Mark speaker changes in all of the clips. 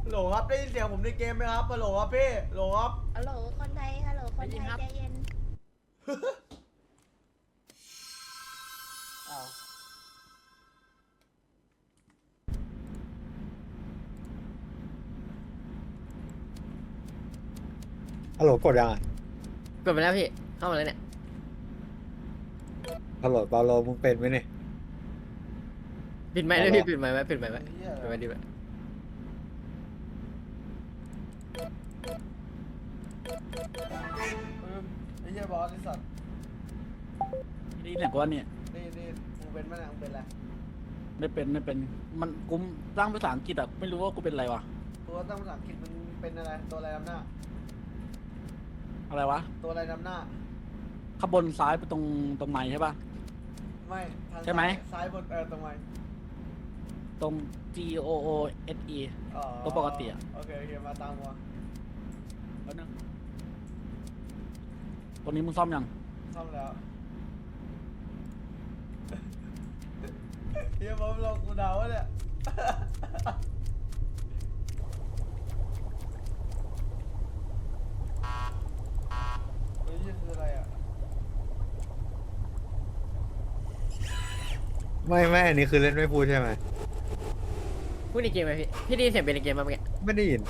Speaker 1: โหลครับได้ยินเสียงผมในเกมไหมครับโหลครับพี่โหลครับ
Speaker 2: ฮัลโหลคนไทยฮัลโหลคนไทยใจเย็น
Speaker 1: อ้าว
Speaker 3: ฮัลโหลกดยังอ่ะ
Speaker 4: กดไปแล้วพี่เข้ามาแล้วเนี่ย
Speaker 3: ฮัลโหลเปาโลมึงเป็นไหมเนี่ย
Speaker 4: ปิดไมค์ด้วยพี่ปิดไมค์ไว้ปิดไมค์ไว้
Speaker 1: เหี้ย
Speaker 4: ปิดไมค์ดีไว้
Speaker 1: ไอ้เหี้ยบอสไอ้สัตว์
Speaker 5: นี่เนี่ยกูว่าเนี่ย
Speaker 1: นี่มึงเป็นมั้ยเนี่ยมึงเป็นอะไร
Speaker 5: ไม่เป็นมันกูร่างภาษาอังกฤษอะไม่รู้ว่ากูเป็นอะไรวะ
Speaker 1: ตัวตั้งภาษาอังกฤษมึงเป็นอะไรตัวอะไรนำหน้า
Speaker 5: อะไรวะ
Speaker 1: ตัวอะไรนำหน้า
Speaker 5: ข้างบนซ้ายไปตรงไหนใช่ปะ
Speaker 1: ไม่ทาง
Speaker 5: ใช่ไหม
Speaker 1: ซ้ายบนตรงไหน
Speaker 5: ตรง G O O S E
Speaker 1: อ๋อ
Speaker 5: ตัวปกติอะ
Speaker 1: โอเคมาตามมา
Speaker 5: แล้วนึงตรงนี้มึงซ่อมยัง
Speaker 1: ซ่อมแล้วเฮียบอสลงกูเดาวะเนี่ยเฮ้ยนี่คืออะไรอ่ะ
Speaker 3: ไม่อันนี้คือเล่นไม่พูดใช่ไหม
Speaker 4: พูดในเกมไหมพี่ได้ยินเสียงเป็นในเกมมาเมื่อกี้
Speaker 3: ไม่ได้ยิน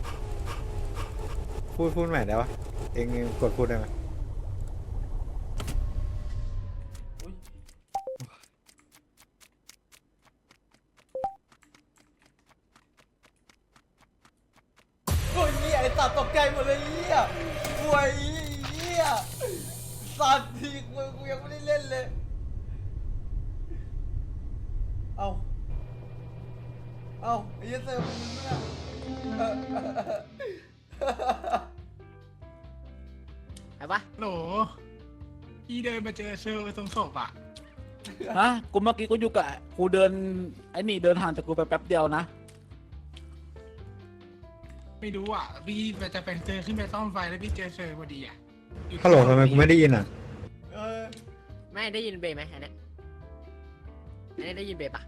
Speaker 3: พูดใหม่ได้ปะเองกดพูดได้ไหม
Speaker 1: อุ้ยโอ้ยเหี้ยไอ้สัตว์ตกใจหมดเลยเหี้ยโอ้ยเหี้ยสัตว์ทีกูยังไม่ได้เล่นเลย เอาไอ้เหี้ยเซอร์มึงเนี่ย
Speaker 4: ไอ้ปะ
Speaker 6: โหลพี่เดินมาเจอเซอร์ตรงศพอ่ะ
Speaker 5: ฮะกูเมื่อกี้กูอยู่กับกูเดินไอ้นี่เดินห่างจากกูไปแป๊บเดียวนะ
Speaker 6: ไม่รู้อ่ะ พี่จะไปเจอขึ้นไปซ่อมไฟแล้วพี่เจอเซอร์พอดีอ่ะอยู่ที่
Speaker 3: ฮัลโหลทำไมกูไม่ได้ยินอ่ะ
Speaker 1: เออ
Speaker 4: ไม่ได้ยินเบย์ไหมอันเนี้ยอันนี้ได้ยินเบย์ปะ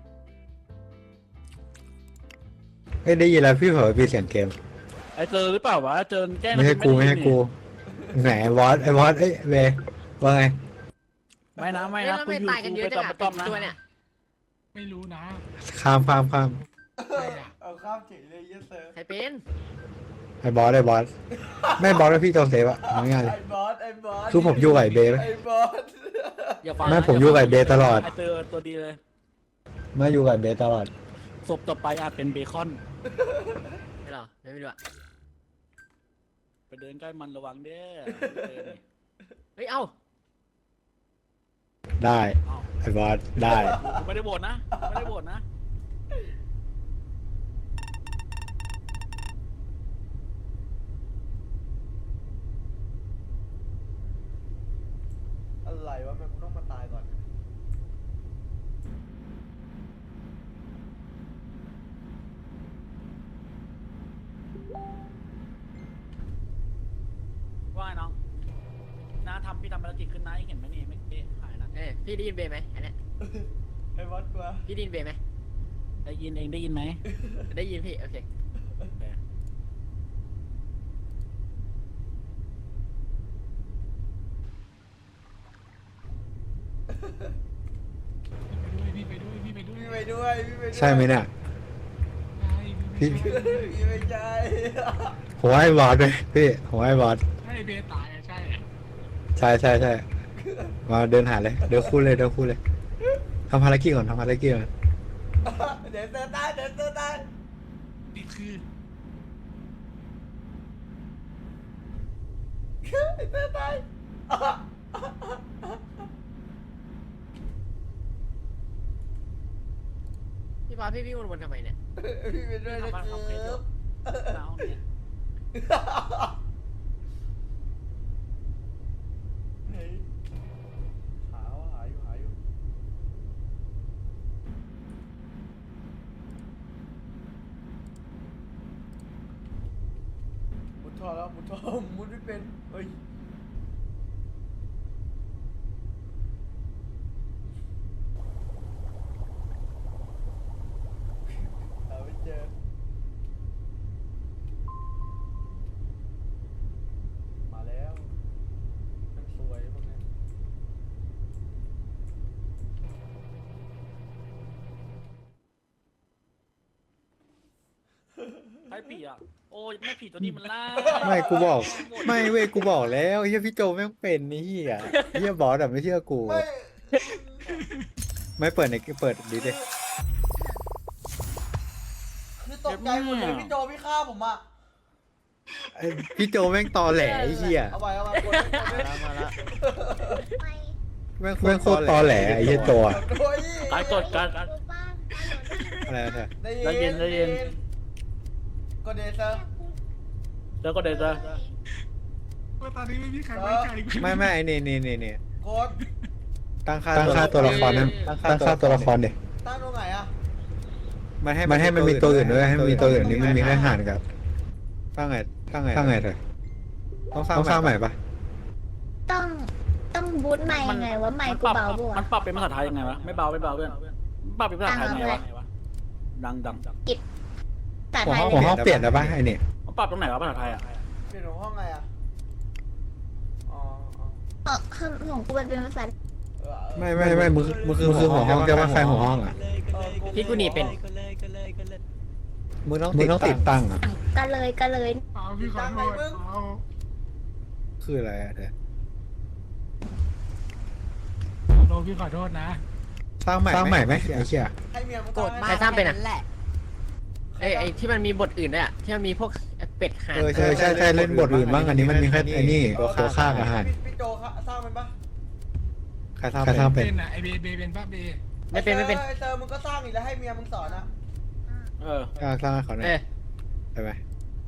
Speaker 3: เอ้ยได้ยินแล้วพี่เผลอปิดเสียงเกม
Speaker 5: ไอ้เจอหรือเปล่าวะเจอแกล้ง
Speaker 3: ไม่ใช่กูไม่ใช่กูไหนบอสไอ้บอสเอ้ยเวว่าไง
Speaker 5: ไม่นะ
Speaker 4: เฮ้ย
Speaker 5: นะ
Speaker 4: แล้ว
Speaker 5: กู
Speaker 4: ไม่
Speaker 5: อยู่
Speaker 4: ตายกันเย
Speaker 5: กู
Speaker 4: อะ
Speaker 5: ไป
Speaker 4: จัง
Speaker 5: ต้อ
Speaker 4: อะ
Speaker 5: มนะ
Speaker 4: ตัวเนี่ย
Speaker 6: ไม่รู้นะ
Speaker 3: ข้าม
Speaker 6: อะไรอ่ะ
Speaker 1: เอาข้ามเฉยเลยเหี้ยเซอร์
Speaker 4: ใครเป็น
Speaker 3: ไอ้บอสไม่บอสแล้วพี่โจเซฟอะเอาง่ายๆเลย
Speaker 1: ไอ้บอส
Speaker 3: คือผมอยู่กับไอ้เบย์ไหม
Speaker 1: ไอ้บอส
Speaker 5: อย่าฟัง
Speaker 3: ไม่
Speaker 5: นะ
Speaker 3: ผมอยู่กับไอ้เบย์ตลอด
Speaker 5: ไอ้เจอตัวดีเลย
Speaker 3: มาอยู่กับไอ้เบย์ตลอด
Speaker 5: ศพต่อไปอาจเป็นเบคอน
Speaker 4: ไม่หรอไม่รู้อะ
Speaker 5: ไปเดินใกล้มันระวังเด้อ
Speaker 4: เฮ้ยเอ้า
Speaker 3: ได้
Speaker 5: เอ้า
Speaker 3: ไอ้บอสได้
Speaker 5: กูไม่ได้โหวตนะกูไม่ได้โหวตนะ
Speaker 1: อะไรวะแม่งกูต้องมาตายก่อน
Speaker 5: ว่าไงน้องน้าพี่ทำภารกิจขึ้นนะเห็นไหมนี่ไม่หายนะ
Speaker 4: พี่ได้ยินเบย์ไหมอันเนี้ย
Speaker 1: ไอ้บอสกลัว
Speaker 4: พี่ได้ยินเบย์ไหม
Speaker 5: ได้ยินเองได้ยินไหม
Speaker 4: ได้ยินพี่โอเค
Speaker 6: พี่ไปด้วย
Speaker 1: พี่ไปด้วย
Speaker 3: ใช่ไหมเนี่ย พี่
Speaker 1: พี่ไม่ใช่
Speaker 3: ผมว่าไอ้บอสเลยพี่ผมว่าไอ้บอส
Speaker 6: ใช่เบตายอ่ะใช่
Speaker 3: ใช่มาเดินหาเลยเดินคู่เลยทำภารกิจก่อน
Speaker 1: เดี๋ยวเซอร์ตายเดี๋ยวเซอร์ตาย
Speaker 6: นี่คือ
Speaker 1: ไอ้เซอร์ตาย
Speaker 4: พี่พาพี่วิ่งวนๆทำไมเนี่ย
Speaker 1: พี่ไปด้วยนะ
Speaker 5: ทำความเคย
Speaker 1: ค
Speaker 5: จ
Speaker 1: รั
Speaker 5: บบ น้าเนี่ย
Speaker 1: เฮ้ยหาอยู่มุดท่อแล้วมุดท่อมุดไม่เป็นเฮ้ยหาไม่เจอ
Speaker 5: ใครผีอ่ะโอ้ยไม่ผีตัวนี้มันล่า
Speaker 3: ไม่กูบอกไม่เว้ยกูบอกแล้วเฮียพี่โจแม่งเป็นนี่เฮียเฮียบอสอะไม่เชื่อกู
Speaker 1: ไม่
Speaker 3: ไม่เปิดในเปิดดีดิ
Speaker 1: คือตกใจหมดเลยพี่โจพี่ฆ่าผมอ่ะ
Speaker 3: ไอ้พี่โจแม่งตอแหลไอ้เฮีย
Speaker 1: เอาไปกดเลย
Speaker 4: มาละ
Speaker 2: ไม่
Speaker 3: แม่งโคตรตอแหลไอ้เฮียโจอะ
Speaker 1: โอ้ย
Speaker 5: การกดการ
Speaker 2: รู้บ้าง
Speaker 3: อะไรนะเธอ
Speaker 1: ได้ยิน
Speaker 5: ได้ยิน
Speaker 1: กดเดซอร์
Speaker 5: แล้วก็เดินจะ
Speaker 6: ว่าตอนนี้ไม่มีใครไว้ใจกู
Speaker 3: ไม่ไอ้นี่
Speaker 1: กด
Speaker 3: ตั้งค่าตัวละครนั้นตั้งค่าตัวละครเด็
Speaker 1: ตั้งตรงไหนอ่ะ
Speaker 3: มันให้มันมีตัวอื่นด้วยให้มันมีตัวอื่นนี่มันมีแค่ห่านกับตั้งไงเถอะต้องสร้างใหม่ปะ
Speaker 2: ต้องบูทใหม่ไงว่าใหม่กูเบาบัว
Speaker 5: มันปรับเป็นภาษาไทยยังไงวะไม่เบาเพื่อนปรับเป็นภาษาไทยยังไงวะดัง
Speaker 2: แต่
Speaker 3: หัว
Speaker 2: ไทย
Speaker 3: ห้องเปลี่ยนแล้วปะไอ้นี่
Speaker 5: มันปรับตรงไหนวะภาษาไทยอ่ะ
Speaker 1: เปลี่ยนหัวห้องไงอ่ะอ๋อ
Speaker 2: ของกูเป็นภาษา
Speaker 3: ไม่มึงคือหัวห้องแต่ว่าใครหัวห้องอ่ะ
Speaker 4: พี่กูหนีเป็น
Speaker 3: มึงต้องติดตั้งอ่ะ
Speaker 2: กันเลย
Speaker 6: เอาพี่ขอโทษเอา
Speaker 3: คืออะไรอ่ะเธอ
Speaker 6: โดนพี่ขอโทษนะ
Speaker 3: สร้างใหม่ไหมไอ้เชี่ย
Speaker 1: ให้เมียมึง
Speaker 4: โกรธ
Speaker 1: ตั้ง
Speaker 4: ใคร
Speaker 1: ให้
Speaker 4: สร้างเป็นอ่ะไอ้ที่มันมีบทอื่นด้วยอ่ะที่มันมีพวกเป็ดห่าน
Speaker 3: ใช่เล่นบทอื่นบ้างอันนี้มันมีแค่ไอ้นี่ตัวฆ่าอาหาร
Speaker 1: พี่โจสร้างมันปะ
Speaker 3: ใครสร้างเป็น
Speaker 6: เป็นอ่ะไอเบเป็นป้าเบ
Speaker 4: ไม่เป็น
Speaker 1: ไอ้เตอร์มึงก็สร้างอีกแล้วให้เมียมึงสอนนะ
Speaker 5: เออ
Speaker 3: สร้างให้เขาหน่อยได้ไหม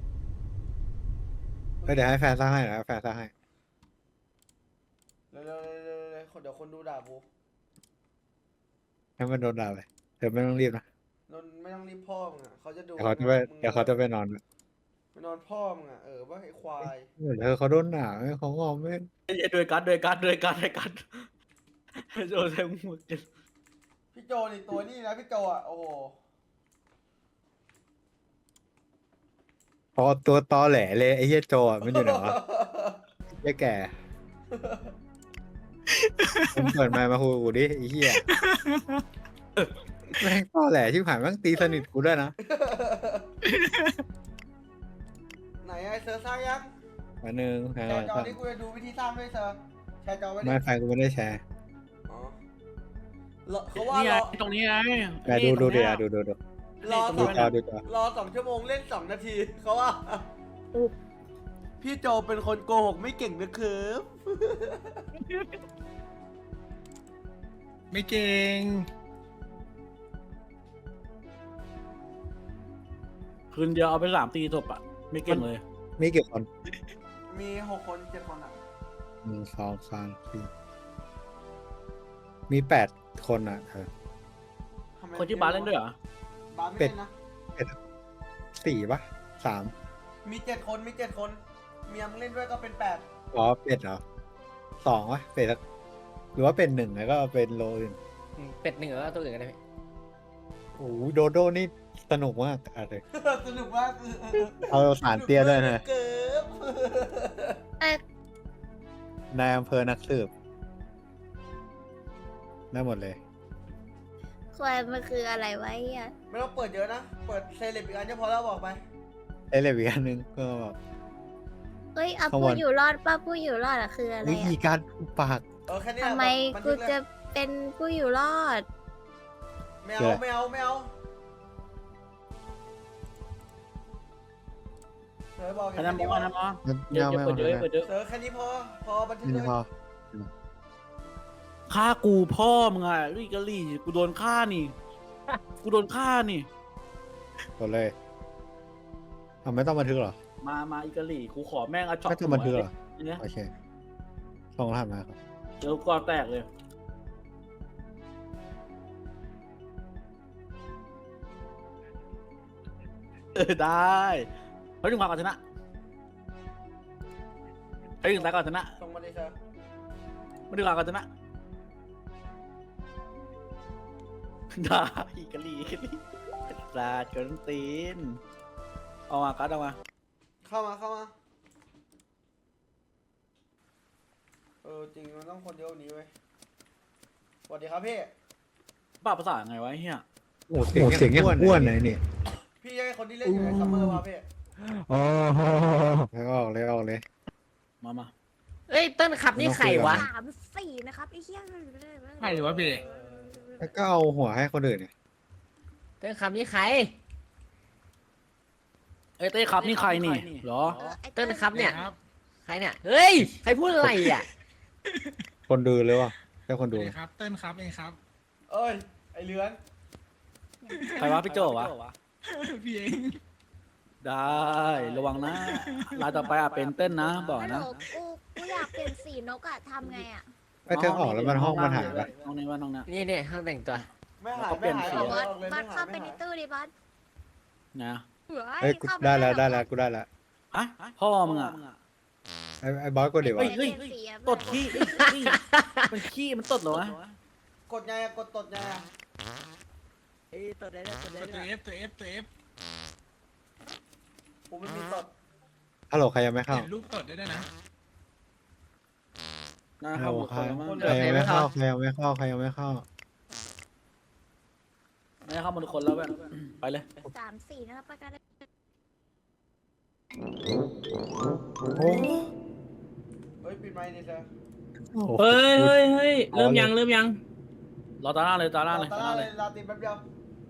Speaker 3: เดี๋ยวให้แฟนสร้างให้นะแฟนสร้างให้
Speaker 1: เร็วเดี๋ยวคนดูด่าบู
Speaker 3: ให้มันโดนด่าไปเธอไม่ต้องรีบนะ
Speaker 1: นนไม่ต้องรีบพ่อมึงอ่ะเขาจะดู
Speaker 3: เดี๋ยวเขาจะไปนอน
Speaker 1: ไปนอนพ่อมึงอ่ะว่าไอ้ควาย
Speaker 3: เธอเขาโดนด่าเขางอมไม่
Speaker 5: โดยการโดนใส่หมวก
Speaker 1: พี่โจนี่ตัวนี่นะพี่โจอ่ะโอ้โห
Speaker 3: พอตัวตอแหลเลยไอ้เหี้ยโจอ่ะมันอยู่ไหนวะไอ้แก่มึงเปิดไมค์มาคุยกับกูดิไอ้เหี้ยแม่งตอแหลชิบหายแม่งตีสนิทกูด้วยนะ
Speaker 1: ไหนไอ้เซอร์สร้างยัง
Speaker 3: มาหนึ่ง
Speaker 1: แชร์จอนี่กูจะดูวิธีสร้างด้วยเซอร์แชร์จอไว้ดิ
Speaker 3: ไม่ไฟกูไม่ได้แชร์
Speaker 1: อ๋อเขาว่า
Speaker 5: นี่ไง
Speaker 1: รอ
Speaker 5: ตรงนี้ไง
Speaker 3: แต่ดูดู
Speaker 1: รอ
Speaker 3: ดูจอ
Speaker 1: รอ2 ชั่วโมงเล่น2 นาทีเขาว่าพี่โจเป็นคนโกหกไม่เก่งนะครับ
Speaker 6: ไม่เก่ง
Speaker 5: คืนเดียวเอาไป3 ตีจบอ่ะไม่เก่งเลย
Speaker 3: มีกี่คน
Speaker 1: มี6 คน 7 คนอ่ะ
Speaker 3: 1 2 3 4มี8 คนอ่ะเธอ
Speaker 1: ทำไม
Speaker 5: คนที่บาสเล่นด้วยเหรอ
Speaker 1: บาสไม่เล่นนะ
Speaker 3: 4ปะ3
Speaker 1: มี7 คนมี7 คนเมียมึงเล่นด้วยก็เป็น8
Speaker 3: อ๋อเป็ดเหรอ2วะเป็ดหรือว่าเป็น1แล้วก็เป็นโลอื่น
Speaker 4: เป็ดหนึ่งแล้วตัวอื่นกันได้ไหม
Speaker 3: โอ้โหโดโดนี่สนุกมากอะไร
Speaker 1: สนุกมาก
Speaker 3: เอาสารเตี้ยด้วยนะ
Speaker 1: เกิบ
Speaker 3: นายอำเภอนักสืบได้หมดเลย
Speaker 2: ควายมันคืออะไรวะอ่ะ
Speaker 1: ไม่ต้องเปิดเยอะนะ เปิดเซเลบอีกอันก็พอแล้วบอกไป
Speaker 3: ไอ้เลวีอันนึงก็แบบ
Speaker 2: เฮ้ยเอา
Speaker 3: ข้างบ
Speaker 2: ผู้
Speaker 3: น
Speaker 2: อยู่รอดป้าผู้อยู่รอดอะคืออะไร
Speaker 3: วิธี
Speaker 2: อะ
Speaker 3: การปาก
Speaker 1: แค่นี้
Speaker 2: ทำไม
Speaker 1: บัน
Speaker 2: กู
Speaker 1: ทึเลย
Speaker 2: จะเป็นผู้อยู่รอด
Speaker 1: ไม่เอาไม่เอาไม่เอาเสือบอก
Speaker 5: อันนั้นมออันนั้นมอ
Speaker 3: เยอะ
Speaker 5: เปิดเยอะเปิดเยอะ
Speaker 1: เสือแค่นี้พอบันทึก
Speaker 3: นี่
Speaker 1: เลย
Speaker 3: พอ
Speaker 5: ฆ่ากูพ่อมึงอ่ะลี่กะลี่กูโดนฆ่านี่
Speaker 3: กดเลยเอาไม่ต้องบันทึกเหรอ
Speaker 5: มาอีกะลี่กูขอแม่งเอาช็อต
Speaker 3: ไม่ต้องบันทึกเหรอ
Speaker 5: เนี่ย
Speaker 3: โอเคส่งรหัสมาครับ
Speaker 5: เดี๋ยวก่อนแตกเลยได้เฮ้ยถึงความก่อนชนะเฮ้ยถึงตายก่อนชนะ
Speaker 1: ส่งมาดิเสือ
Speaker 5: ไม่ถึงความก่อนชนะได้อีกะลี่ลาดจนตีนเอามากัดเอามา
Speaker 1: เข้ามาจริงมันต้องคนเยอะกว่านี้เว้ยสวัสดีครับพี่
Speaker 5: ปรับภาษาไงวะไอ้เฮีย
Speaker 3: โอ้เสียงยังอ้วนเลยนี่
Speaker 1: พี่จะให้คนที่เล่นอยู่ในซัมเมอร์วะพี่
Speaker 3: โอ้โหแล้วออกเลย
Speaker 5: มา
Speaker 4: เอ้ยเต้นขับนี่ใครวะ
Speaker 2: 3-4นะครับไอ้เหี้ย
Speaker 6: ใครหรือว่าพี่
Speaker 3: แล้วก็เอาหัวให้คนอื่นเนี่ย
Speaker 4: เต้นขับนี่ใคร
Speaker 5: เอ้ยเต้ครับนี่ใครนี่เหรอ
Speaker 4: เต้นครับเนี่ย
Speaker 6: ครับ
Speaker 4: ใครเนี่ยเฮ้ยใครพูดอะไรอ่ะ
Speaker 3: คนดูเลยวะแค่คนดู
Speaker 6: สวัสดีครับเติ้ลครับเองครับ
Speaker 1: เอ้ยไอเลือน
Speaker 5: ใครวะพี่โจวะ
Speaker 6: พี่เอง
Speaker 5: ได้ระวังนะรายต่อไปเป็นเต้นนะบอก
Speaker 2: ฮัลโหล
Speaker 5: นะ
Speaker 2: กูอยากเปลี่ยนสีนกอะทำไงอะ
Speaker 3: ไอ้เธอออกแล้วมันห้องมันหายไป
Speaker 5: ห้องนี้ว่าห้องนี้
Speaker 4: นี่เนี่ยห้องแต่งตัว
Speaker 1: ไม่หาย
Speaker 5: แล้วก็เปลี่
Speaker 1: ไม่
Speaker 5: ยน
Speaker 1: หาย
Speaker 5: สี
Speaker 1: ออก
Speaker 2: บอส
Speaker 1: เลย
Speaker 2: บอ
Speaker 1: ไม่
Speaker 2: ส
Speaker 1: หา
Speaker 2: เข้าย ไปในตู้ดิบอส
Speaker 5: นะ
Speaker 3: เอ้ยกูได้แล้วกูได้แล้ว
Speaker 5: อ่ะพ่อมึงอ่ะ
Speaker 3: ไอ้บอสก็เดี๋ยว
Speaker 5: เฮ้
Speaker 3: วะ
Speaker 5: ย ตดขี้มันขี้มันตดเหรอวะ
Speaker 1: กดไงอะกดตดไงอะ
Speaker 4: เอ้ยตัวไหนตัวไหน
Speaker 6: ตัวเอฟตัวเอฟตัวเอฟ
Speaker 1: กูไม่มีตด
Speaker 3: ฮัลโหลใครยังไม่เข้า
Speaker 6: เห็นรูปตดได้ด้วยนะ
Speaker 5: นะค
Speaker 3: ฮั
Speaker 5: รั
Speaker 3: ล
Speaker 5: บ
Speaker 3: โหล
Speaker 5: หมด
Speaker 3: ใค
Speaker 5: ค
Speaker 3: ร
Speaker 5: นแล้วมั้ง
Speaker 3: ยังไม่เข้าใครยังไม่เข้าใครยังไม่เข้า
Speaker 5: ไม่เข้าหมดคนแล้วแบบไปเลย
Speaker 2: 3-4นะครับประกัน
Speaker 3: โอ้
Speaker 1: เฮ้ยปิดไมค์ดิเธอ
Speaker 7: เฮ้ย เริ่มยัง
Speaker 5: รอตาหน้าเลยตาหน้าเลย
Speaker 1: ตา
Speaker 5: ตา
Speaker 1: ห
Speaker 5: ห
Speaker 1: น้า
Speaker 5: น้า
Speaker 1: เล
Speaker 5: เลย ย
Speaker 1: ลาตินแป๊บเดียว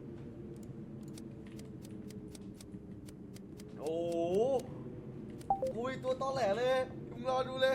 Speaker 1: โอ้โหกูอีกตัวตอแหลเลยมึงรอดูเลย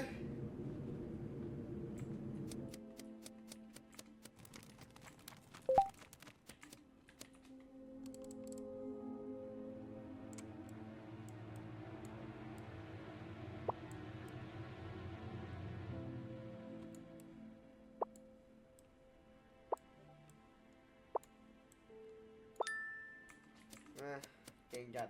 Speaker 1: เก่งจัด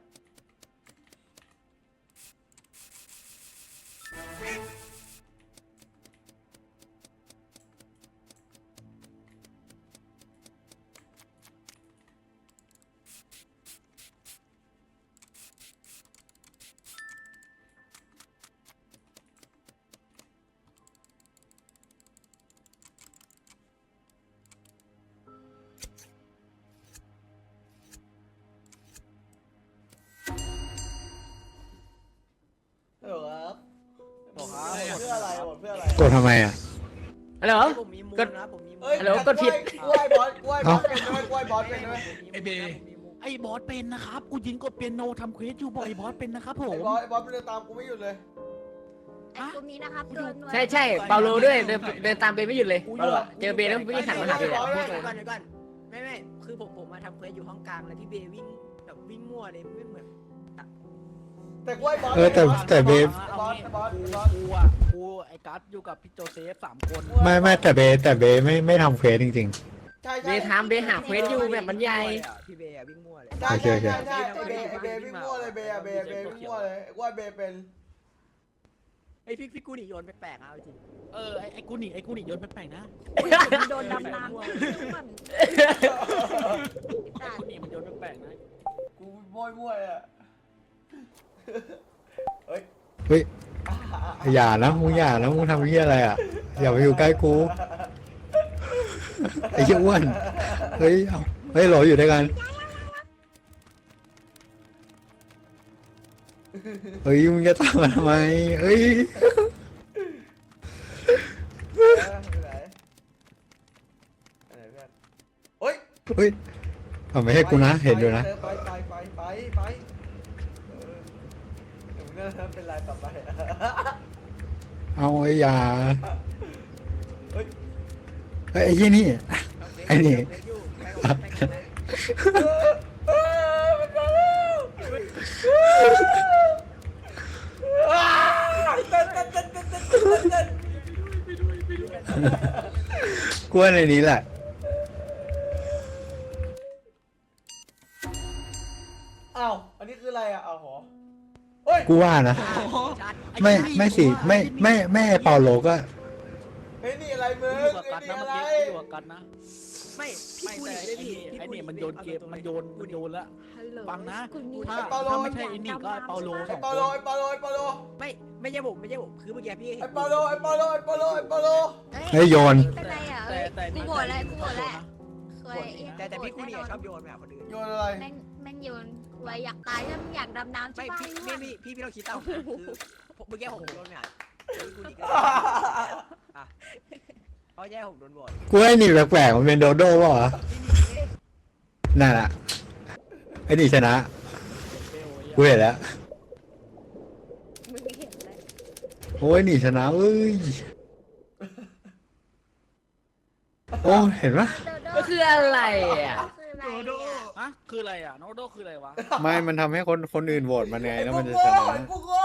Speaker 1: เออครับ
Speaker 5: บอกครับ
Speaker 1: เพื่ออะไรหมดเพื่ออะไร
Speaker 3: กดทำไมอ่ะ
Speaker 4: ฮัลโหล
Speaker 8: ผมมีมูลนะผมมีมูล
Speaker 1: เอ้ย
Speaker 4: ฮัลโหลกดผิด
Speaker 1: กล้วยบอสกล้วยบอสเป็นด้วยกล้วยบอสเป็นด้วย
Speaker 6: ไอเบย์
Speaker 5: ไอ้บอสเป็นนะครับกูยิงกดเปียโนทำเควสอยู่บอกไอ้บอสเป็นนะครับผ
Speaker 1: ไอ้
Speaker 5: ม
Speaker 1: บอสมันเดินตามกูไม่หยุดเลย
Speaker 2: ไอ้กลุ่มนี้นะครับเดินหน่วย
Speaker 4: ใช่เปาโลด้วยเดินตามเบย์ไม่หยุดเลยเปาโลอะเจอเบย์แล้ววิ่งหันมาหาเบย์อะ
Speaker 8: เดี๋ยวก่อนไม่คือผมมาทำเควสอยู่ห้องกลางแล้วพี่เบย์วิ่งแบบวิ่งมั่วเลยไม่เหมือน
Speaker 1: แต่กล้วยบอส
Speaker 3: แต่เบฟ
Speaker 1: บอสบอสบอส
Speaker 5: กูอ่ะกูไอ้กัสอยู่กับพี่โจเซฟ3 คน
Speaker 3: ไม่แต่เบฟไม่ทำเควสจริง
Speaker 1: ใช่
Speaker 4: เบย์ทำเบย์หาเควสอยู่แบบมันใหญ่
Speaker 8: พี่เบย์วิ่งมั่วเลย
Speaker 1: ใช่
Speaker 3: โอเค
Speaker 1: ใช่
Speaker 3: โอเค
Speaker 1: ใช่ไอ้เบย์วิ่งมั่วเลยเบย์อะเบย์วิ่งมั่วเลยกล้วยเบย์เป็น
Speaker 8: ไอพี่กูหนีโยนแปลกๆเอาจริง
Speaker 5: ไอ้กูหนีโยนแปลกๆนะ
Speaker 2: โดนดำน้ำมัน
Speaker 5: ไอ้กูหนีมันโยนแปลกๆนะ
Speaker 1: กูมั่วเลยอะเฮ้ย
Speaker 3: ๆเฮ้ยอย่านะมึงทำเหี้ยอะไรอ่ะอย่าไปอยู่ใกล้กูไอ้เหี้ยอ้วนเฮ้ยเอาเฮ้ยโหลอยู่ด้วยกันเฮ้ยมึงจะตามมาทำไมเฮ้ย
Speaker 1: ไปไหนเฮ้ย
Speaker 3: เฮ้ยเอาไม่ให้กูนะเห็นอยู่นะ
Speaker 1: ไปเดี๋ยวมึงจะเป็นไรต่อไป
Speaker 3: เอาไอ้ยา
Speaker 1: เฮ้ย
Speaker 3: เฮ้ยไอ้ยี่นี่ไอ้นี่
Speaker 1: มันมาแล้วเต้น
Speaker 3: กูว่าในนี้แหละ
Speaker 1: อ้าวอันนี้คืออะไรอ่ะอ้าวหรอเฮ้ย
Speaker 3: กูว่านะไม่สิไม่ไอ้เปาโลก็
Speaker 1: เฮ้ยนี่อะไรมึง
Speaker 5: อยู่กับกัส
Speaker 1: นี่
Speaker 5: นะ
Speaker 1: อะไร
Speaker 5: เมื่อกี้อยู่กับกัสนะ
Speaker 8: ไม่พี่กูหนีเลยพี่
Speaker 5: ไอ้นี่มันโยนเกมมันโยนแล้ว
Speaker 2: ฮัลโหล
Speaker 5: ฟังนะ
Speaker 2: กลุ่มนี้
Speaker 5: ถ้า
Speaker 2: นะครับ
Speaker 5: ถ้าไม่ใช่ไอ้นี่ก็ไอ้เปาโล
Speaker 1: ไอ้
Speaker 5: 2
Speaker 1: เปา
Speaker 5: ค
Speaker 1: โล
Speaker 5: น
Speaker 1: ไอ้เปาโล
Speaker 8: ไม่ใช่ผมคือเมื่อกี้พี่
Speaker 1: ไอ้เปาโล
Speaker 3: เฮ้ยโยน
Speaker 2: เป็นไรอ่ะ
Speaker 5: แต่
Speaker 2: กูโหวตแล้วเคย
Speaker 8: แต่พี่กูหนีชอบโยนแบบคนอื่น
Speaker 1: โยนอะไร
Speaker 2: แม่งโยนกูป่วยอยากตายแล้วมึงอยากดำน้ำใช่
Speaker 8: ไม่
Speaker 2: ปะ
Speaker 8: พี่ต้องคิดเอาคือเมื่อกี้ผมโดนเนี่ยกูหนีก็อ่ะเขาแย่ผมโดนบอด
Speaker 3: กูไอ้หนีแปลกๆมันเป็นโดโด้ป่ะวะ
Speaker 8: พี่หนี
Speaker 3: นั่นแหละไอ้หนีชนะกูเห็นแล้ว
Speaker 2: มึงไม่เห็นเลย
Speaker 3: โอ้ยหนีชนะเอ้ยโอ้เห็นปะ
Speaker 4: ก็คืออะไรอ่ะ
Speaker 2: คืออะไร
Speaker 6: โดโด
Speaker 5: ฮะคืออะไรอ่ะโนโดคืออะไรวะ
Speaker 3: ไม่มันทำให้คนอื่นโหวตมันไงแล้วมันจะชนะ
Speaker 1: กูโง่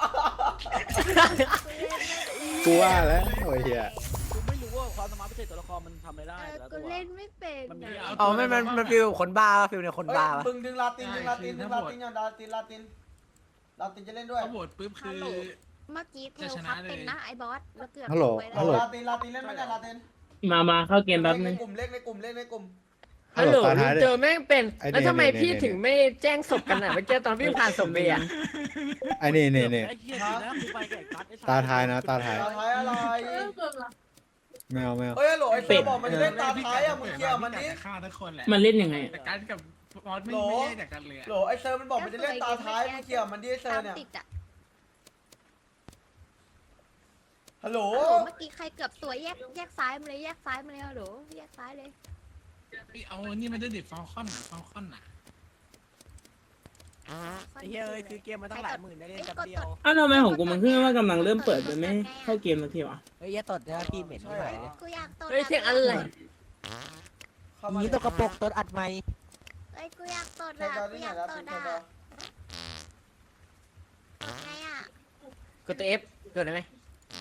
Speaker 3: กูว่าแล้วโอ้ยเฮีย
Speaker 5: กูไม่รู้ว่าความสามารถพิเศษตัวละครมันทำอะไรได้
Speaker 2: เออ
Speaker 5: แต่ละ
Speaker 2: กู
Speaker 5: ตัว
Speaker 2: เล่นไม่เป็น
Speaker 5: มันมี
Speaker 2: อะ
Speaker 8: อ๋อมันฟิลคนบ้าฟิลเนี่ยคน
Speaker 1: เฮ้ย
Speaker 8: บ้าปะ
Speaker 1: มึงดึงลาตินดึงลาตินดึงลาตินอย่างลาตินลาตินจะเล่นด้วย
Speaker 6: เขาโหวตปุ๊บคือ
Speaker 2: เมื่อกี้เทล
Speaker 6: จะช
Speaker 2: คั
Speaker 6: นะ
Speaker 2: บ
Speaker 6: เลย
Speaker 2: เป็นนะไอ้บอสแล้วเกือบ
Speaker 3: ฮัลโหล
Speaker 2: ไปแว
Speaker 3: ฮัลโหล
Speaker 1: ลาตินเล่นไหมเนี่ยลาติน
Speaker 7: มาเข้าเกมแป๊บนึง
Speaker 1: เลขในกลุ่ม
Speaker 4: ฮัลโหล
Speaker 3: ตาท้าย
Speaker 4: เจอแม่งเป็น
Speaker 3: ไอ้นี่
Speaker 4: แล้วทำไม
Speaker 3: นี่
Speaker 4: พี่
Speaker 3: นี่
Speaker 4: ถึงไม่แจ้งศพกันอ่ะเมื่อกี้ตอนวิ่งผ่านศพเบียร์
Speaker 3: ไอ้นี่
Speaker 5: ไอ้เหี้ยดีนะกูไปกับไอ้กัสไอ้สัส
Speaker 3: ตาท้ายนะตาท้าย
Speaker 1: ตาท้ายอะไร
Speaker 3: ไม่เอา
Speaker 1: เฮ้ยฮัลโหลไอ้เซอร์บอกมันจะเล่นตาท้ายอ่ะมึงเคลียร์มันดิ
Speaker 6: ฆ่าทุกคนแหละ
Speaker 7: มันเล่นยังไง
Speaker 6: แต่การกับบอสไม่ได้แต่กันเลย
Speaker 1: โหลไอ้เซอร์มันบอกมันจะเล่นตาท้ายมึงเคลียร์มันดิไอ้เซอร์เนี่ย
Speaker 2: ติดอะ
Speaker 1: ฮัลโหล
Speaker 2: โอ้โหเมื่อกี้ใครเกือบสวยแยกซ้ายมาเลยแยกซ้ายมาเลยฮัลโหลแยกซ้ายเลย
Speaker 6: เอานี่มันจะดิบฟอลคอนน่ะ
Speaker 8: ไอ้เหี้ยเอ้ยคือเกมมันตั้งหลายหมื่นได้เล่นแป๊บเดียว
Speaker 7: อ้าวทำไมของกูมันขึ้นว่ากำลังเริ่มเปิดไปไม่เข้าเกมสักทีวะ
Speaker 8: เฮ้ยอย่าตดนะพี่เหม็นไม่ไหวเลย
Speaker 2: กูอยากตด
Speaker 4: เฮ้ยเสียงอะไร
Speaker 8: นี่ตกกระปกตดอัดไหม
Speaker 2: เอ้ยกูอยากตด
Speaker 1: เท
Speaker 2: อะ
Speaker 1: จอ
Speaker 2: กู
Speaker 1: ที่
Speaker 2: อ
Speaker 1: ไหน
Speaker 2: ยาก
Speaker 1: ลา
Speaker 2: ต
Speaker 1: ติ
Speaker 2: ด
Speaker 1: นเท
Speaker 2: อะ
Speaker 1: จอ
Speaker 2: ไงอะ
Speaker 4: กดตัว F กดได้ไหม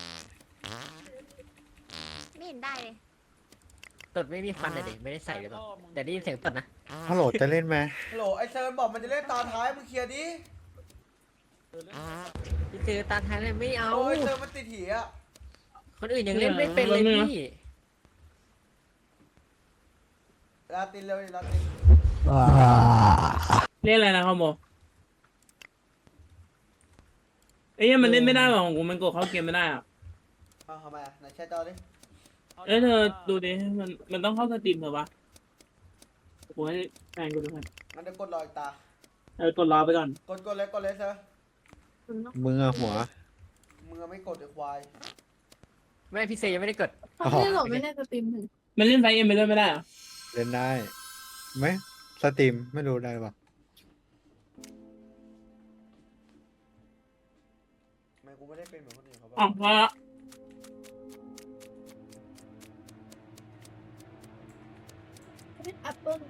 Speaker 2: ไม่เห็นได้เลย
Speaker 4: ตดไม่มีฟันเลยดิไม่ได้ใส่เลยหรอแต่ได้ยินเสียงตดนะ
Speaker 3: ฮัลโหลจะเล่นไหม
Speaker 1: ฮัลโหลไอ้เซอร์บอกมันจะเล่นตาท้ายมึงเคลียร์ดิ
Speaker 4: พี่เจอตาท้ายเลยไม่เอา
Speaker 1: โอ้ยเซอร์มันติดหีอ่ะ
Speaker 4: คนอื่นยังเล่นไม่เป็นเลยพี่
Speaker 1: ลาตินเร็วลาติน
Speaker 7: เล่นอะไรนะคอมโบเอ้ยมันเล่นไม่ได้หรอของกูมันกดเข้าเกมไม่ได้อ่ะ
Speaker 1: เอาทำไมอ่ะไหนแชร์จอดิ
Speaker 7: เอ้ยเธอดูดิมันต้องเข้าสตรีมเถอะวะกูให้แฟนกูดูกัน
Speaker 1: มันจะกดรออีกตา
Speaker 7: กดรอไปก่อน
Speaker 1: กดเลยเซอร์
Speaker 3: มึงอะหัว
Speaker 1: มึงไม่กดไอ้ควาย
Speaker 4: ไม่พี่เซยังไม่ได้กด
Speaker 3: อ๋อ
Speaker 2: ไม่หลบไม่ได้สตรีมถึง
Speaker 7: มันเล่นไฟเอ็มไปเล่นไม่ได้เหรอ
Speaker 3: เล่นได้ไหมสตรีมไม่รู้ได้ปะ
Speaker 1: ไม่กูไม่ได้เป็นเหมือนคนอื่นเขา
Speaker 7: อ๋อพอละ
Speaker 2: แอปเปิ้ล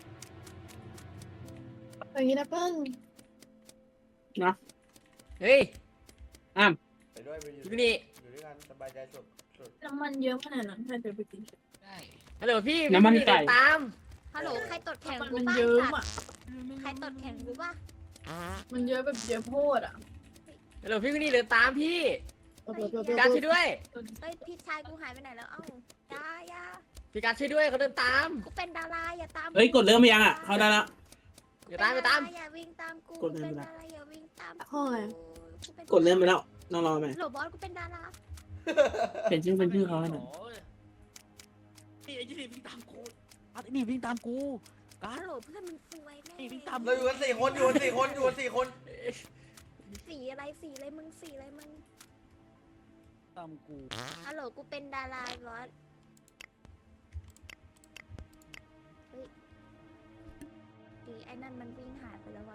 Speaker 2: อย่างนี้แอปเปิ้ล
Speaker 4: เฮ้ย
Speaker 1: ไปด้วยไปอยู่
Speaker 4: พี่นี่
Speaker 1: อยู่ด้วยกันสบายใจสุด
Speaker 2: น้ำมันเยอะขนาดนั้นใครจะไปกิน
Speaker 6: ได้
Speaker 4: ฮัลโหลพี่
Speaker 7: น้ำมัน
Speaker 4: พี่
Speaker 7: ไก่
Speaker 4: ตาม
Speaker 2: ฮัลโหลใครตดแข่ง
Speaker 9: มัน
Speaker 2: กู
Speaker 9: มัน
Speaker 2: บ้าง
Speaker 9: เยิ้ม
Speaker 2: สัต
Speaker 9: อ่ะ
Speaker 2: ว์ใครตดแข่งกูบ้าง
Speaker 9: มันเยอะแบบเยอะโพดอ่ะ
Speaker 4: ฮัลโหลพี่คนนี้เดินตามพี่ การช่วยด้วย
Speaker 2: เฮ้ยพี่ชายกูหายไปไหนแล้วเอ้ายา
Speaker 4: พี่การช่วยด้วยเขาเดินตาม
Speaker 2: กูเป็นดาราอย่าตาม
Speaker 7: เฮ้ยกดเริ่มไปยังอ่ะเข้าได้ละ
Speaker 4: อย่าตามอย่าตาม
Speaker 2: อย่าวิ่งตามกู
Speaker 7: กดเริ่ม
Speaker 2: เป็น
Speaker 7: ไปแล้ว
Speaker 2: ดาราอย่าวิ่งตาม
Speaker 9: ห้องอะไร
Speaker 7: กดเริ่มไปแล้วน้องรอไหม
Speaker 2: โหลบอสกูเป็นดารา
Speaker 7: เป็นชื่อเขาให้หน่อย
Speaker 5: โอ้ยนี่ไอ้ยี่นี่วิ่งตามกูกัสไอ้นี่วิ่งตามกูกัส
Speaker 2: ฮัลโหลเพื่อนมึงสวยแน่
Speaker 5: นี่วิ่งตาม
Speaker 1: เราอยู่กัน4 คนอยู่กัน4 คนอยู่กัน4 คน
Speaker 2: สีอะไรมึงสีอะไรมึง
Speaker 5: ตามกู
Speaker 2: ฮัลโหลกูเป็นดาราบอสเฮ้ยอีไอ้นั่นมันวิ่งหายไปแล้ววะ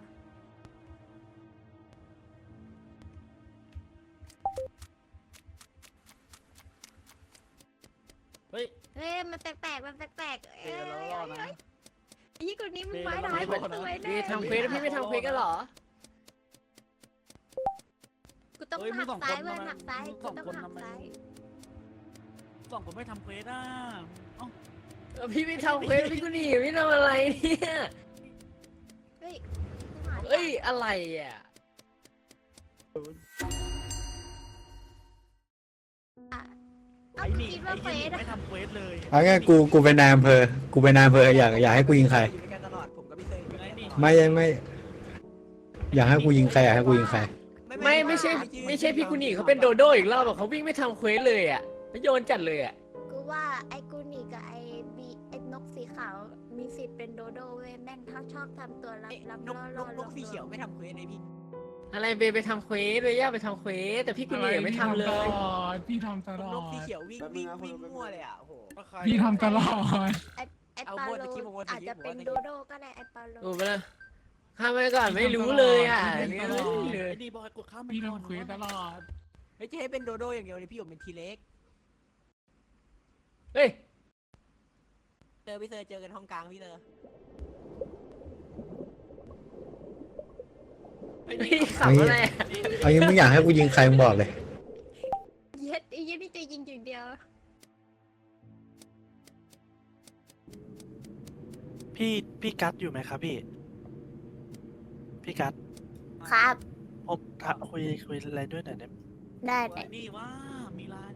Speaker 5: เฮ้ย
Speaker 2: เฮ้ยมันแปลกๆมันแปลกๆ
Speaker 5: เดี๋ยวเรารอดนะ
Speaker 2: ไอ้ยี่คนนี้มึงไม้ร้าย
Speaker 5: เดี๋
Speaker 2: มั
Speaker 5: ยวน เรา
Speaker 2: สวย
Speaker 4: พี่
Speaker 2: แน่
Speaker 4: ทำเควสแล้วพี่ไม่ทำเควสกันเหรอ
Speaker 2: กูต้อง
Speaker 5: เฮ้ยมึ
Speaker 2: หั
Speaker 5: ง
Speaker 2: ก
Speaker 5: สอง
Speaker 2: ซ้าย
Speaker 5: คน
Speaker 2: เว้ย
Speaker 5: ทำไม
Speaker 2: หักซ้าย
Speaker 5: มึง
Speaker 2: กู
Speaker 5: สอง
Speaker 2: ต้อง
Speaker 5: คน
Speaker 2: หัก
Speaker 5: ทำไม
Speaker 2: ซ้าย
Speaker 5: สองคนไม่ทำเควสอ่ะเอ้า
Speaker 4: พี่ไม่ทำเควสพี่คนนี้พี่ทำอะไรเนี่ย
Speaker 2: เฮ้ยกูหา
Speaker 4: เอ้ยอะไรอ่ะ
Speaker 2: เอ้า
Speaker 5: ไอ้
Speaker 2: กู
Speaker 5: นี่
Speaker 2: คิด
Speaker 5: ไอ้
Speaker 2: ว่าเฟ
Speaker 5: ยี่
Speaker 2: ส
Speaker 5: นี่ไม่ทำเควสเลย
Speaker 3: เอางั้นกูเป็นนายอำเภอกูเป็นนายอำเภออยากให้กูยิงใคร
Speaker 8: อยู่ด้วยกันตลอดผมกับพี่เซย์อยู่ด้วยกันตลอด
Speaker 3: ไม่อยากให้กูยิงใครอยากให้กูยิงใคร
Speaker 4: ไม่ใช่พี่คนนี้เขาเป็นโดโดอีกรอบอะเขาวิ่งไม่ทำเควสเลยอ่ะแล้วโยนจัดเลยอ่ะ
Speaker 2: กูว่าไอ้กูนี่กับไอ้นกสีขาวมีสิทธิ์เป็นโดโดเว้ยแม่งเขาชอบทำตัวรับ
Speaker 8: เอ้ย
Speaker 2: รับ
Speaker 8: นก
Speaker 2: ล่อน
Speaker 8: กสีเขียวไม่ทำเควสเลยพี่
Speaker 4: อะไรเบย์ไปทำเควสเลยย่าไปทำเควสแต่พี่กุนีไม่ทำเลย
Speaker 6: พี่ทำตลอด
Speaker 8: นกสีเขียววิ่งมั่วเลยอ่ะโอ้โห
Speaker 6: พี่ทำตลอด
Speaker 2: ไอ
Speaker 8: เอา
Speaker 2: ปา
Speaker 8: โมด
Speaker 2: โล
Speaker 8: ตะกี้โมดตะกี้
Speaker 2: อาจจะเป็น
Speaker 8: โมดตะกี้
Speaker 2: โดโดก็ได้ไอปาโล
Speaker 4: ดูไปเลยข้ามไปก่อนไม่รู้เลยอ่ะเนี่ย
Speaker 5: ไอ้ดีบอยกดข้ามไป
Speaker 6: พี่
Speaker 5: ก่อน
Speaker 6: ทำเควสตลอด
Speaker 8: ไม่ใช่ให้เป็นโดโดอย่างเดียวเลยพี่ผมเป็นทีเล็ก
Speaker 4: เฮ้ย
Speaker 8: พี่เซอร์เจอกันห้องกลางพี่เซอร์
Speaker 4: พี่ขับอะไรอะ
Speaker 3: เอางี้มึงอยากให้กูยิงใครมึงบอกเลย
Speaker 2: เย็ดไอ้เหี้ยนี่จะยิงอย่างเดียว
Speaker 10: พี่กัดอยู่ไหมครับพี่กัด
Speaker 2: ครับ
Speaker 10: ผมคุยอะไรด้วยหน่อยได้ไหม
Speaker 2: ได้ได้
Speaker 5: นี่ว่ามีร้าน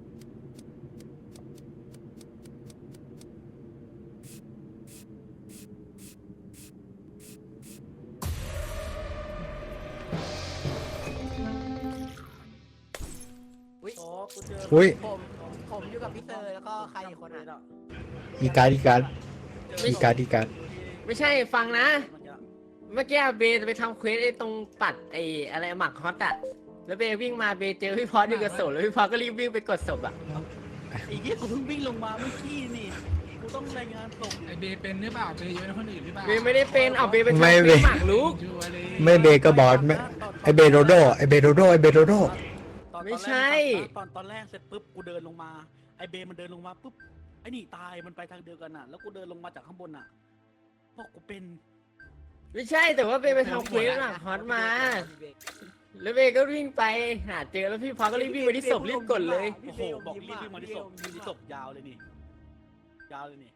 Speaker 8: อุ้ย
Speaker 5: โอ้กูเจอ
Speaker 3: อุ้ย
Speaker 8: ผมอยู่กับพี่เซอร์แล้วก็ใครอีกคนอ่ะ
Speaker 3: อีการอีการอีการอีการ
Speaker 4: ไม่ใช่ฟังนะ เมื่อกี้เบย์ไปทำเควสไอ้ตรงปัดไอ้อะไรหมักฮอตอะแล้วเบย์วิ่งมาเบย์เจอพี่พอสอยู่กับศพแล้วพี่พอสก็รีบวิ่งไปกดศพอะ
Speaker 5: ไอ้เหี้ยกูเพิ่งวิ่งลงมาเมื่อกี้นี่กูต้องรายงานส่ง
Speaker 6: ไอเบย์เป็นหรือเปล่าเบย์เยอะกว่าคนอื่นหรือเปล่า
Speaker 4: เบย์ไม่ได้เป็นเอาเบย์ไปทำเควสหมักลุก
Speaker 6: ชัวร์เลย
Speaker 3: ไม่เบก็บอสไม่ไอเบโดโดไอเบโดโดไอเบโดโด
Speaker 4: ไม่ใช่
Speaker 5: ตอนแรกเสร็จปุ๊บกูเดินลงมาไอเบมันเดินลงมาปุ๊บไอนี่ตายมันไปทางเดียวกันน่ะแล้วกูเดินลงมาจากข้างบนน่ะเพราะกูเป็น
Speaker 4: ไม่ใช่แต่ว่าเบย์ไปทำเควสหมักฮอตมา แล้วเบย์ก็วิ่งไปหาเจอแล้วพี่พอสก็รีบวิ่งไปที่ศพรีบกดเลย
Speaker 5: โอ้โหบอกรีบวิ่งมาที่ศพยืนที่ศพยาวเลยนี่ยาวเลยนี่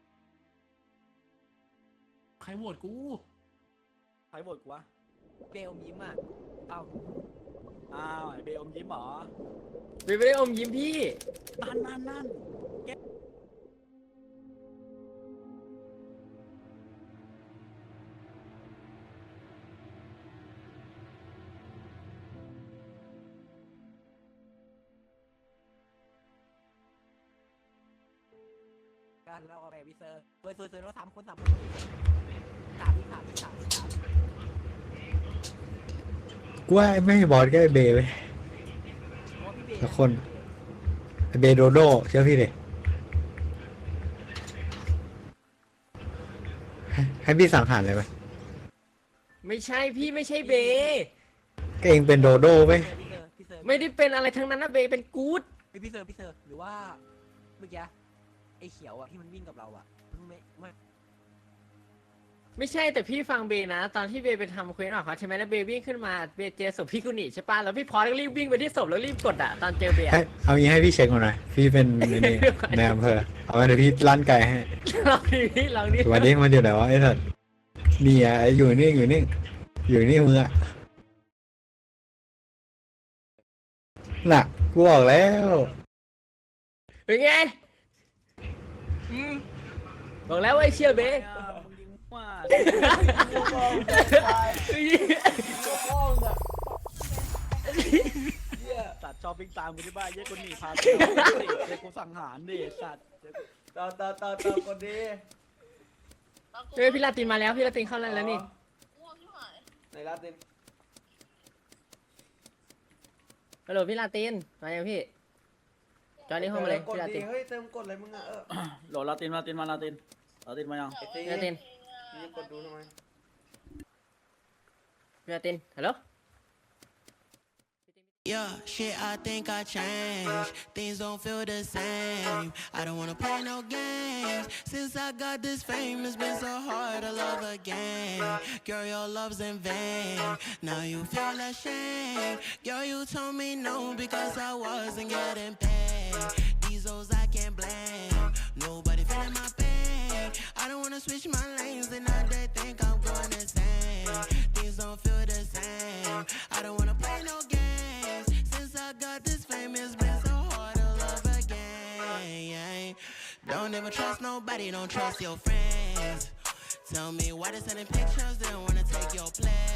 Speaker 6: ใครโหวตกู
Speaker 5: ใครโหวตกูวะ
Speaker 8: เบลยิ้มอ่ะเอ้า
Speaker 5: อ้าวไอเบอมยิ้มเหรอ
Speaker 4: เบย์ไม่ได้อมยิ้มพี่
Speaker 5: นั่น
Speaker 8: กันแล้วเอาไปพี่เซอร์เซอร์แล้ว3 คน3 คน3
Speaker 3: กูว่าไม่ให้บอสก็ไอเบไป
Speaker 8: พี่เบ
Speaker 3: ละคนไอเบโดโดเชื่อพี่ดิให้พี่สังหารเลยไหม
Speaker 4: ไม่ใช่พี่ไม่ใช่เบย์
Speaker 3: ก็เองเป็นโดโดไหม
Speaker 8: พี่เซอร์
Speaker 4: ไม่ได้เป็นอะไรทั้งนั้นนะเบย์เป็นกู๊ด
Speaker 8: พี่เซอร์หรือว่าเมื่อกี้ไอ้เขียวอ่ะที่มันวิ่งกับเราอ่ะไม่
Speaker 4: ไม่ใช่แต่พี่ฟังเบย์นะ ตอนที่เบย์ไปทำเควสหมักฮอตใช่ไหมแล้วเบย์วิ่งขึ้นมาเบย์เจอศพพี่กุนิใช่ป่ะแล้วพี่พอสก็รีบวิ่งไปที่ศพแล้วรีบกดอะตอนเจอเบย์
Speaker 3: ให้เอางี้ให้พี่เช็คก่อนหน่อยพี่เป็นนี่ในอำเภอเอาไว้เดี๋ยวพี่ลั่นไกลให้
Speaker 4: ลองดิลองดิ
Speaker 3: วันนี้มันอยู่ไหนวะไอ้สัตว์นี่อ่ะอยู่นี่อยู่นี่อยู่นี่มึงอ่ะน่ะกูบอกแล้ว
Speaker 4: เป็นไงบอกแล้วว่าไอ้เชี่ยเบย์
Speaker 5: มึงยิงว่า สัตว์ชอบวิ่งตามกูที่บ้านเยอะคนหนีพาเด็กกูสังหารดิสัตว์
Speaker 1: ต่อคนดี
Speaker 4: เฮ้ยพี่ลาตินมาแล้วพี่ลาตินเข้าแล้วนี่
Speaker 1: ในลาติน
Speaker 4: ฮัลโหลพี่ลาตินมายังพี่จอยนี่ห้องมาเลย
Speaker 1: กด
Speaker 4: พี่ลา
Speaker 1: ดี
Speaker 4: ติน
Speaker 1: เฮ้ยเติมกดอะไรมึงอ่ะ
Speaker 5: โหลลาตินมายัง
Speaker 1: ไอ้ที
Speaker 4: พี่ลาติน
Speaker 1: นี่กดดูทำไม
Speaker 4: พี่ลาตินฮัลโหล
Speaker 11: Yeah, shit, I think I changed. Things don't feel the same. I don't wanna play no games. Since I got this fame, it's been so hard to love again. Girl, your love's in vain. Now you feel ashamed. Girl, you told me no because I wasn't getting paid. These hoes I can't blame. Nobody feeling my pain. I don't wanna switch my lanes and now they think I'm going insane. Things don't feel the same. I don't wanna play no games. I got this fame, it's been so hard to love again. Don't ever trust nobody, don't trust your friends. Tell me why they sending pictures, they don't wanna take your place.